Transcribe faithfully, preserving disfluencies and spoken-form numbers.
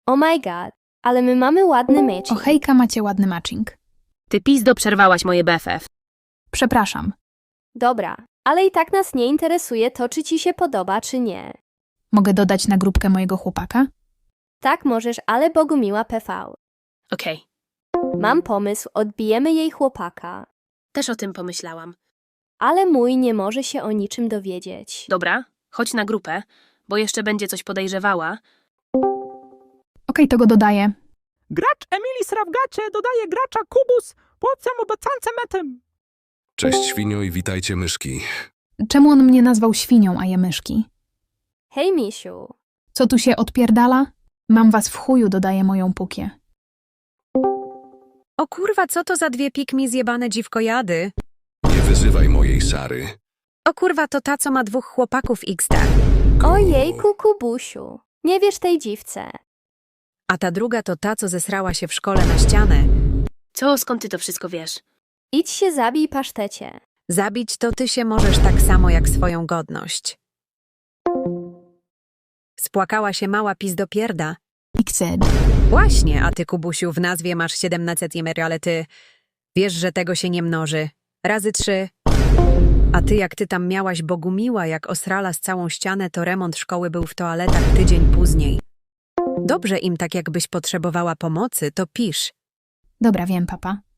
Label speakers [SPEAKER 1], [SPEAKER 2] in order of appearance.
[SPEAKER 1] Oh my god, ale my mamy ładny mecz.
[SPEAKER 2] O hejka, macie ładny matching.
[SPEAKER 3] Ty pizdo przerwałaś moje B F F.
[SPEAKER 2] Przepraszam.
[SPEAKER 1] Dobra, ale i tak nas nie interesuje to, czy ci się podoba, czy nie.
[SPEAKER 2] Mogę dodać na grupkę mojego chłopaka?
[SPEAKER 1] Tak możesz, ale Bogumiła P V.
[SPEAKER 3] Okej,
[SPEAKER 1] Mam pomysł, odbijemy jej chłopaka.
[SPEAKER 3] też o tym pomyślałam.
[SPEAKER 1] Ale mój nie może się o niczym dowiedzieć.
[SPEAKER 3] Dobra, chodź na grupę, bo jeszcze będzie coś podejrzewała.
[SPEAKER 2] Okej, to go dodaję.
[SPEAKER 4] Gracz Emily Srawgacie dodaje gracza Kubus płocem obecance metem.
[SPEAKER 5] Cześć świnio i witajcie myszki.
[SPEAKER 2] Czemu on mnie nazwał świnią, a je myszki?
[SPEAKER 1] Hej, misiu.
[SPEAKER 2] Co tu się odpierdala? Mam was w chuju, dodaję moją pukię.
[SPEAKER 6] O kurwa, co to za dwie pikmi zjebane dziwkojady?
[SPEAKER 5] Nie wyzywaj mojej Sary.
[SPEAKER 6] O kurwa, to ta, co ma dwóch chłopaków X D.
[SPEAKER 1] Ojejku, Kubusiu. Nie wiesz tej dziwce.
[SPEAKER 6] A ta druga to ta, co zesrała się w szkole na ścianę.
[SPEAKER 3] Co, skąd ty to wszystko wiesz?
[SPEAKER 1] Idź się zabij, pasztecie.
[SPEAKER 6] Zabić to ty się możesz tak samo jak swoją godność. Spłakała się mała pizdopierda.
[SPEAKER 2] Xed.
[SPEAKER 6] Właśnie, a ty, Kubusiu, w nazwie masz siedemnaście jemer, ale ty wiesz, że tego się nie mnoży. Razy trzy. A ty, jak ty tam miałaś Bogumiła, jak osrala z całą ścianę, to remont szkoły był w toaletach tydzień później. Dobrze im, tak jakbyś potrzebowała pomocy, to pisz.
[SPEAKER 2] Dobra, wiem, papa.